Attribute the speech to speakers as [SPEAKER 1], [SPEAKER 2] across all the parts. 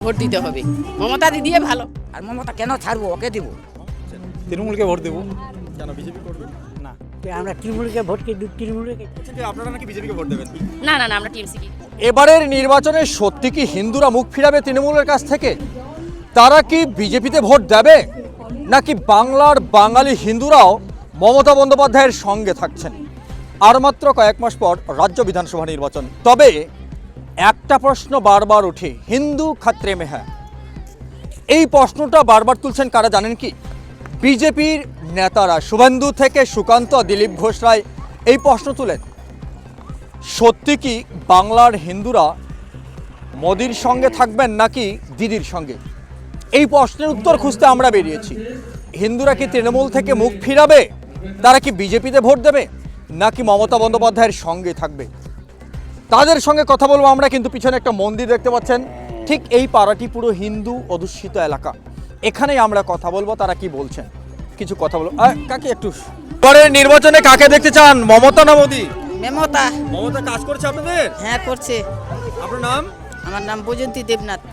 [SPEAKER 1] Vote দিতে হবে। মমতা দিদিয়ে ভালো।
[SPEAKER 2] আর মমতা কেন ছাড়বো, ওকে দিব।
[SPEAKER 3] তৃণমূলকে ভোট দেবো। কেন বিজেপি করবেন না?
[SPEAKER 2] আমরা তৃণমূলকে ভোট দিই, তৃণমূলকে।
[SPEAKER 3] আপনারা নাকি বিজেপিকে ভোট দেবেন?
[SPEAKER 1] না না না, আমরা টিএমসি কি।
[SPEAKER 4] এবারের নির্বাচনে সত্যি কি হিন্দুরা মুখ ফিরাবে তৃণমূলের কাছ থেকে? তারা কি বিজেপিতে ভোট দেবে, নাকি বাংলার বাঙালি হিন্দুরাও মমতা বন্দ্যোপাধ্যায়ের সঙ্গে থাকছেন? আর মাত্র কয়েক মাস পর রাজ্য বিধানসভা নির্বাচন। তবে একটা প্রশ্ন বারবার ওঠে, হিন্দু খাত্রে মে হ্যায়। এই প্রশ্নটা বারবার তুলছেন কারা জানেন কি? বিজেপির নেতারা, শুভেন্দু থেকে সুকান্ত, দিলীপ ঘোষ রায় এই প্রশ্ন তুলেন, সত্যি কি বাংলার হিন্দুরা মোদির সঙ্গে থাকবেন নাকি দিদির সঙ্গে? এই প্রশ্নের উত্তর খুঁজতে আমরা বেরিয়েছি। হিন্দুরা কি তৃণমূল থেকে মুখ ফিরাবে, তারা কি বিজেপিতে ভোট দেবে, নাকি মমতা বন্দ্যোপাধ্যায়ের সঙ্গে থাকবে? তাদের সঙ্গে কথা বলবো আমরা। কিন্তু পিছনে একটা মন্দির দেখতে পাচ্ছেন, ঠিক এই পাড়াটি পুরো হিন্দু অধ্যুষিত এলাকা। এখানেই আমরা কথা বলবো, তারা কি বলছেন কিছু কথা বলবো। কাকে একটু পরের নির্বাচনে কাকে দেখতে চান, মমতা না মোদি?
[SPEAKER 1] মমতা।
[SPEAKER 4] মমতা কাজ করছে আপনাদের?
[SPEAKER 1] হ্যাঁ করছে।
[SPEAKER 4] আপনার নাম?
[SPEAKER 1] আমার নাম বৈজন্তী দেবনাথ।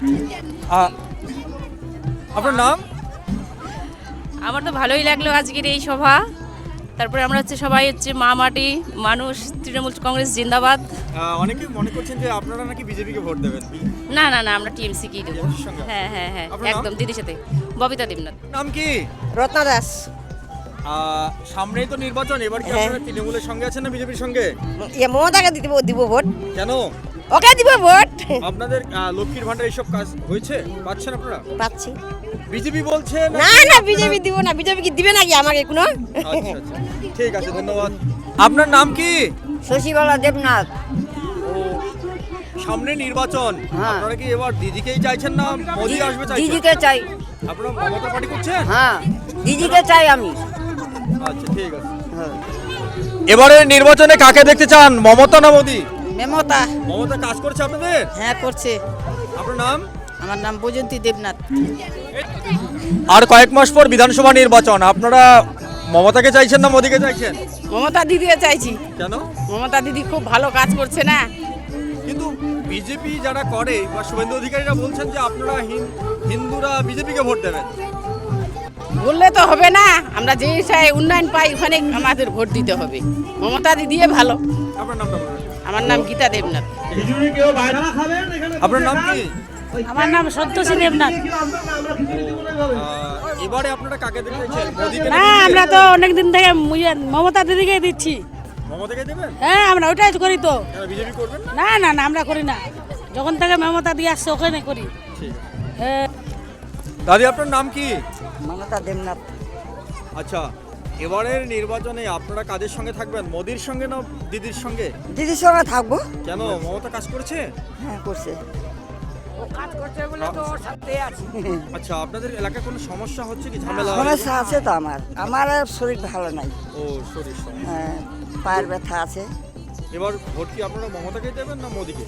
[SPEAKER 4] আপনার নাম?
[SPEAKER 1] আমার তো ভালোই লাগলো আজকের এই সভা। তারপরে আমরা সবাই মা মাটি মানুষ, তৃণমূল কংগ্রেস জিন্দাবাদ।
[SPEAKER 3] অনেকে মনে করছেন যে আপনারা নাকি বিজেপিকে ভোট দেবেন।
[SPEAKER 1] না না না, আমরা টিএমসি কি দেবো। হ্যাঁ হ্যাঁ হ্যাঁ, একদম দিদির সাথে। ববিতা দেবনাথ।
[SPEAKER 4] নাম কি?
[SPEAKER 2] রত্না দাস।
[SPEAKER 4] সামনেই তো নির্বাচন, এবার কি আপনারা তৃণমূলের সঙ্গে আছেন না বিজেপির সঙ্গে?
[SPEAKER 2] মমতাকে দিব ভোট।
[SPEAKER 4] কেন?
[SPEAKER 2] ওকে দিব ভোট।
[SPEAKER 4] আপনাদের লক্ষ্মীর ভান্ডার এইসব কাজ হয়েছে, পাচ্ছেন আপনারা?
[SPEAKER 2] পাচ্ছি।
[SPEAKER 4] বিজেপি বলছে
[SPEAKER 2] না না, বিজেপি দিব না। বিজেপি কি দিবে নাকি আমাকে কোনো?
[SPEAKER 4] আচ্ছা আচ্ছা, ঠিক আছে, ধন্যবাদ। আপনার নাম কি?
[SPEAKER 2] শশীবালা দেবনাথ।
[SPEAKER 4] ও, সামনে নির্বাচন, আপনারা কি এবার দিদিকেই চাইছেন না মোদি আসবে চাইছেন?
[SPEAKER 2] দিদিকে চাই।
[SPEAKER 4] আপনারা মমতা পার্টি করছেন?
[SPEAKER 2] হ্যাঁ, দিদিকে চাই আমি।
[SPEAKER 4] আচ্ছা ঠিক আছে। এবারের নির্বাচনে কাকে দেখতে চান, মমতা না মোদি?
[SPEAKER 1] মমতা।
[SPEAKER 4] মমতা কাজ করছে আপনাদের?
[SPEAKER 1] হ্যাঁ করছে।
[SPEAKER 4] আপনার নাম?
[SPEAKER 1] আমার নাম বৈজন্তী দেবনাথ।
[SPEAKER 4] আর কয়েক মাস পর বিধানসভা নির্বাচন, আপনারা মমতাকে চাইছেন না মোদিকে চাইছেন?
[SPEAKER 1] মমতা দিদিকে চাইছি।
[SPEAKER 4] কেন?
[SPEAKER 1] মমতা দিদি খুব ভালো কাজ করছে না।
[SPEAKER 4] কিন্তু বিজেপি যারা করে বা শুভেন্দু অধিকারীরা বলছেন যে আপনারা হিন্দুরা বিজেপিকে ভোট দেবেন।
[SPEAKER 1] বললে তো হবে না, আমরা যে হিসাবে উন্নয়ন পাই ওখানে আমাদের ভোট দিতে হবে। মমতা দিদিয়ে ভালো।
[SPEAKER 4] আপনার নামটা বলুন।
[SPEAKER 1] আমার নাম গীতা দেবনাথ।
[SPEAKER 4] আপনার নাম কি?
[SPEAKER 1] আমার নাম সন্তোষী দেবনাথ।
[SPEAKER 4] এবারে আপনারা কাকে দেখতে চাইছেন, মোদিকে
[SPEAKER 5] না, আমরা তো অনেকদিন থেকে মমতা দিদিকে দিচ্ছি।
[SPEAKER 4] মমতাকে দেবেন?
[SPEAKER 5] হ্যাঁ, আমরা ওইটাই করি তো।
[SPEAKER 4] কেন বিজেপি করবেন?
[SPEAKER 5] না না না, আমরা করি না। যখন থেকে মমতা দিয়ে আসছে ওখানে করি।
[SPEAKER 4] ঠিক আছে। দাদি আপনার নাম কি?
[SPEAKER 2] মমতা দেবনাথ।
[SPEAKER 4] আচ্ছা, এবারের নির্বাচনে আপনারা কাদের সঙ্গে থাকবেন, মোদির সঙ্গে না দিদির সঙ্গে?
[SPEAKER 2] দিদির সঙ্গে থাকবো।
[SPEAKER 4] কেন, মমতা কাজ করছে?
[SPEAKER 2] হ্যাঁ করছে।
[SPEAKER 4] আচ্ছা, আপনাদের এলাকায় কোনো সমস্যা হচ্ছে কি, ঝামেলা?
[SPEAKER 2] সমস্যা আছে তো আমার শরীর ভালো নাই।
[SPEAKER 4] ও, শরীর সমস্যা।
[SPEAKER 2] হ্যাঁ, পায়ের ব্যথা আছে।
[SPEAKER 4] এবার ভোট কি আপনারা মমতাকে দেবেন না মোদিকে?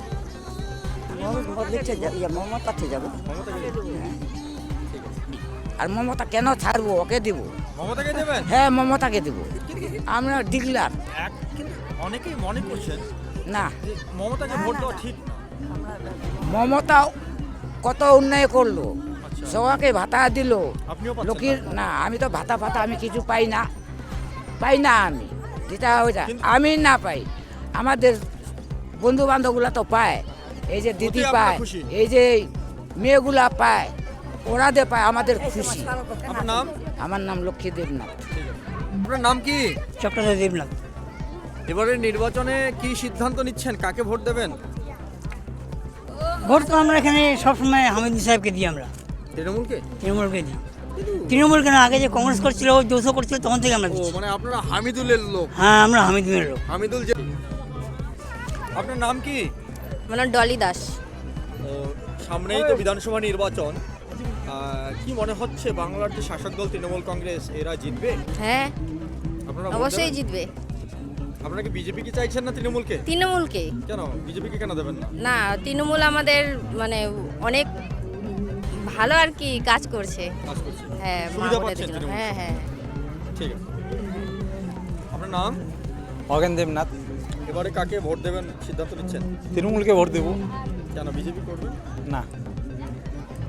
[SPEAKER 2] মমতাতে যাবো।
[SPEAKER 4] মমতাকে দেবেন?
[SPEAKER 2] আর মমতা কেন ছাড়বো, ওকে দিব।
[SPEAKER 4] মমতাকে দেবেন?
[SPEAKER 2] হ্যাঁ, মমতাকে দিব। আমরা ডিগলার
[SPEAKER 4] কিন্তু অনেকেই মনে করছেন
[SPEAKER 2] না,
[SPEAKER 4] যে মমতাকে ভোট দেওয়া ঠিক না।
[SPEAKER 2] মমতা কত উন্নয়ন করলো, সবাইকে ভাতা দিল।
[SPEAKER 4] আপনিও পাচ্ছেন
[SPEAKER 2] লোকের না, আমি তো ভাতা আমি কিছু পাই না আমি। যেটা ওইটা আমি না পাই, আমাদের বন্ধু বান্ধবগুলা তো পায়। এই যে দিদি
[SPEAKER 4] আপনারা
[SPEAKER 2] পায়,
[SPEAKER 4] খুশি?
[SPEAKER 2] এই যে মেয়েগুলা পায়, ওরা দে পায়, আমাদের খুশি।
[SPEAKER 4] আপনার নাম?
[SPEAKER 2] আমার নাম লক্ষ্মী দেবনাথ।
[SPEAKER 4] আপনার নাম কি?
[SPEAKER 2] চক্রধর দেবনাথ।
[SPEAKER 4] এবারের নির্বাচনে কি সিদ্ধান্ত নিচ্ছেন, কাকে ভোট দেবেন?
[SPEAKER 5] ভোট তো আমরা এখানে সবসময় হামিদুল সাহেবকে দিই। আমরা
[SPEAKER 4] তৃণমূলকে?
[SPEAKER 5] তৃণমূলকে দিই। তৃণমূল কেন, আগে যে কংগ্রেস করছিল, যৌথ করছিল, তখন থেকে আমরা
[SPEAKER 4] ও,
[SPEAKER 5] দিচ্ছি।
[SPEAKER 4] মানে আপনারা হামিদুলের লোক?
[SPEAKER 5] হ্যাঁ, আমরা হামিদুলের লোক।
[SPEAKER 4] হামিদুল যে, আপনার নাম কি?
[SPEAKER 1] আমার নাম ডলি দাস।
[SPEAKER 4] ও, সামনেই তো বিধানসভা নির্বাচন, কি মনে হচ্ছে বাংলার যে শাসক দল তৃণমূল কংগ্রেস এরা জিতবে?
[SPEAKER 1] হ্যাঁ
[SPEAKER 4] আপনারা ভোট
[SPEAKER 1] অবশ্যই
[SPEAKER 4] দেবেন?
[SPEAKER 1] জিতবে।
[SPEAKER 4] আপনারা কি বিজেপি কি চাইছেন না তৃণমূলকে?
[SPEAKER 1] তৃণমূলকে।
[SPEAKER 4] কেন বিজেপিকে কেন দেবেন না?
[SPEAKER 1] না, তৃণমূল আমাদের মানে অনেক ভালো আর কি কাজ করছে।
[SPEAKER 4] কাজ করছে?
[SPEAKER 1] হ্যাঁ,
[SPEAKER 4] সুবিধা
[SPEAKER 1] মা
[SPEAKER 4] পাচ্ছেন
[SPEAKER 1] বোনেদের জন্য।
[SPEAKER 4] তৃণমূল?
[SPEAKER 1] হ্যাঁ হ্যাঁ।
[SPEAKER 4] ঠিক আছে। আপনার নাম?
[SPEAKER 3] অগেন দেবনাথ।
[SPEAKER 4] এবারে কাকে ভোট দেবেন সিদ্ধান্ত নিচ্ছেন?
[SPEAKER 3] তৃণমূলকে ভোট দেবো।
[SPEAKER 4] কেন বিজেপি করবেন
[SPEAKER 3] না।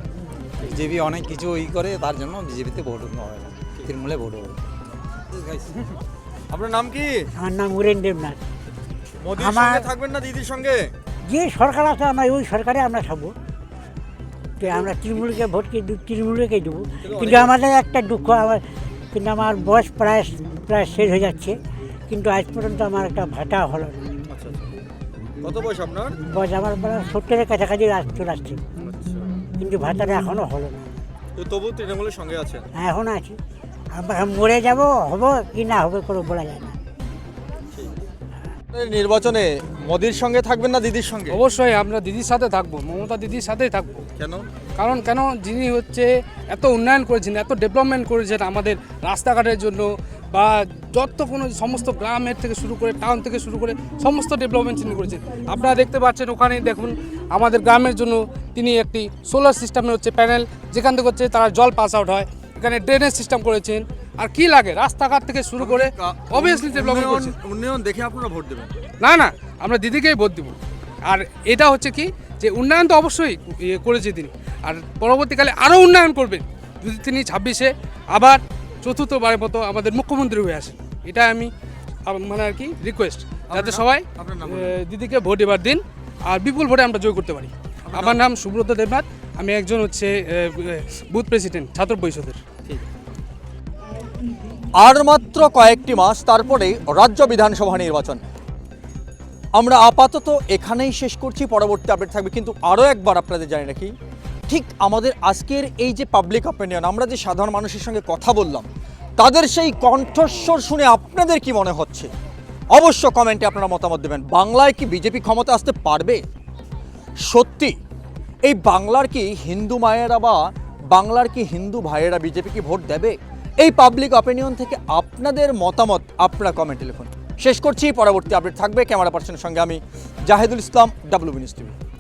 [SPEAKER 3] বিজেপি অনেক কিছু করে, তার জন্য বিজেপিতে ভোট হবে না, তৃণমূলে ভোট হবে।
[SPEAKER 4] আপনার নাম কি?
[SPEAKER 6] আমার নাম উরেন দেবনাথ।
[SPEAKER 4] মোদির
[SPEAKER 6] আমার-
[SPEAKER 4] সঙ্গে থাকবেন না দিদির সঙ্গে?
[SPEAKER 6] যে সরকার আছে আমরা ওই সরকারে আমরা থাকবো, তো আমরা তৃণমূলকে ভোটকে তৃণমূলকেই দেবো। কিন্তু আমাদের একটা দুঃখ, কিন্তু আমার বয়স প্রায় শেষ হয়ে যাচ্ছে, কিন্তু আজ পর্যন্ত আমার একটা ভাতা হলো না।
[SPEAKER 4] আচ্ছা আচ্ছা। কত বয়স আপনার?
[SPEAKER 6] বয়স আমার প্রায় 70-এর কাছাকাছি চলে আসছে, কিন্তু ভাতাটা এখনও হলো না।
[SPEAKER 4] তো তবু তৃণমূলের সঙ্গে আছেন?
[SPEAKER 6] এখন আছি, আমরা মরে যাব, হবো কি না হবে কোনো বলা যায় না।
[SPEAKER 4] নির্বাচনে মোদির সঙ্গে থাকবেন না দিদির সঙ্গে?
[SPEAKER 7] অবশ্যই আমরা দিদির সাথে থাকবো, মমতা দিদির সাথেই থাকবো।
[SPEAKER 4] কেন?
[SPEAKER 7] কেন যিনি হচ্ছে এত উন্নয়ন করেছেন, এত ডেভেলপমেন্ট করেছেন আমাদের রাস্তাঘাটের জন্য, বা যত কোনো সমস্ত গ্রামের থেকে শুরু করে টাউন থেকে শুরু করে সমস্ত ডেভেলপমেন্ট তিনি করেছেন। আপনারা দেখতে পাচ্ছেন ওখানে দেখুন আমাদের গ্রামের জন্য তিনি একটি সোলার সিস্টেমের হচ্ছে প্যানেল, যেখান থেকে হচ্ছে তারা জল পাস আউট হয়, এখানে ড্রেনেজ সিস্টেম করেছেন। আর কি লাগে, রাস্তাঘাট থেকে শুরু করে অবভিয়াসলি ডেভেলপমেন্ট করেছেন।
[SPEAKER 4] উন্নয়ন দেখে আপনারা ভোট দেবেন?
[SPEAKER 7] না, আমরা দিদিকেই ভোট দিব। আর এটা হচ্ছে কি যে উন্নয়ন তো অবশ্যই করেছে তিনি, আর পরবর্তীকালে আরও উন্নয়ন করবেন যদি তিনি 26-এ আবার চতুর্থবারের মতো আমাদের মুখ্যমন্ত্রী হয়ে আসেন। এটা আমি মানে আর কি রিকোয়েস্ট, যাতে সবাই
[SPEAKER 4] আপনার নাম
[SPEAKER 7] দিদিকে ভোট এবার দিন, আর বিপুল ভোটে আমরা জয় করতে পারি। আমার নাম সুব্রত দেবনাথ, আমি একজন হচ্ছে বুথ প্রেসিডেন্ট ছাত্র পরিষদের।
[SPEAKER 4] আর মাত্র কয়েকটি মাস তারপরেই রাজ্য বিধানসভা নির্বাচন। আমরা আপাতত এখানেই শেষ করছি, পরবর্তী আপডেট থাকবে। কিন্তু আরও একবার আপনাদের জানি রাখি, ঠিক আমাদের আজকের এই যে পাবলিক অপিনিয়ন, আমরা যে সাধারণ মানুষের সঙ্গে কথা বললাম, তাদের সেই কণ্ঠস্বর শুনে আপনাদের কি মনে হচ্ছে অবশ্য কমেন্টে আপনারা মতামত দেবেন। বাংলায় কি বিজেপি ক্ষমতা আসতে পারবে? সত্যি এই বাংলার কি হিন্দু মায়েরা বা বাংলার কি হিন্দু ভাইয়েরা বিজেপি কি ভোট দেবে? এই পাবলিক অপিনিয়ন থেকে আপনাদের মতামত আপনারা কমেন্টে লিখুন। শেষ করছি, পরবর্তী আপডেট থাকবে। ক্যামেরা পার্সনের সঙ্গে আমি Zahidul Islam, WB news TV.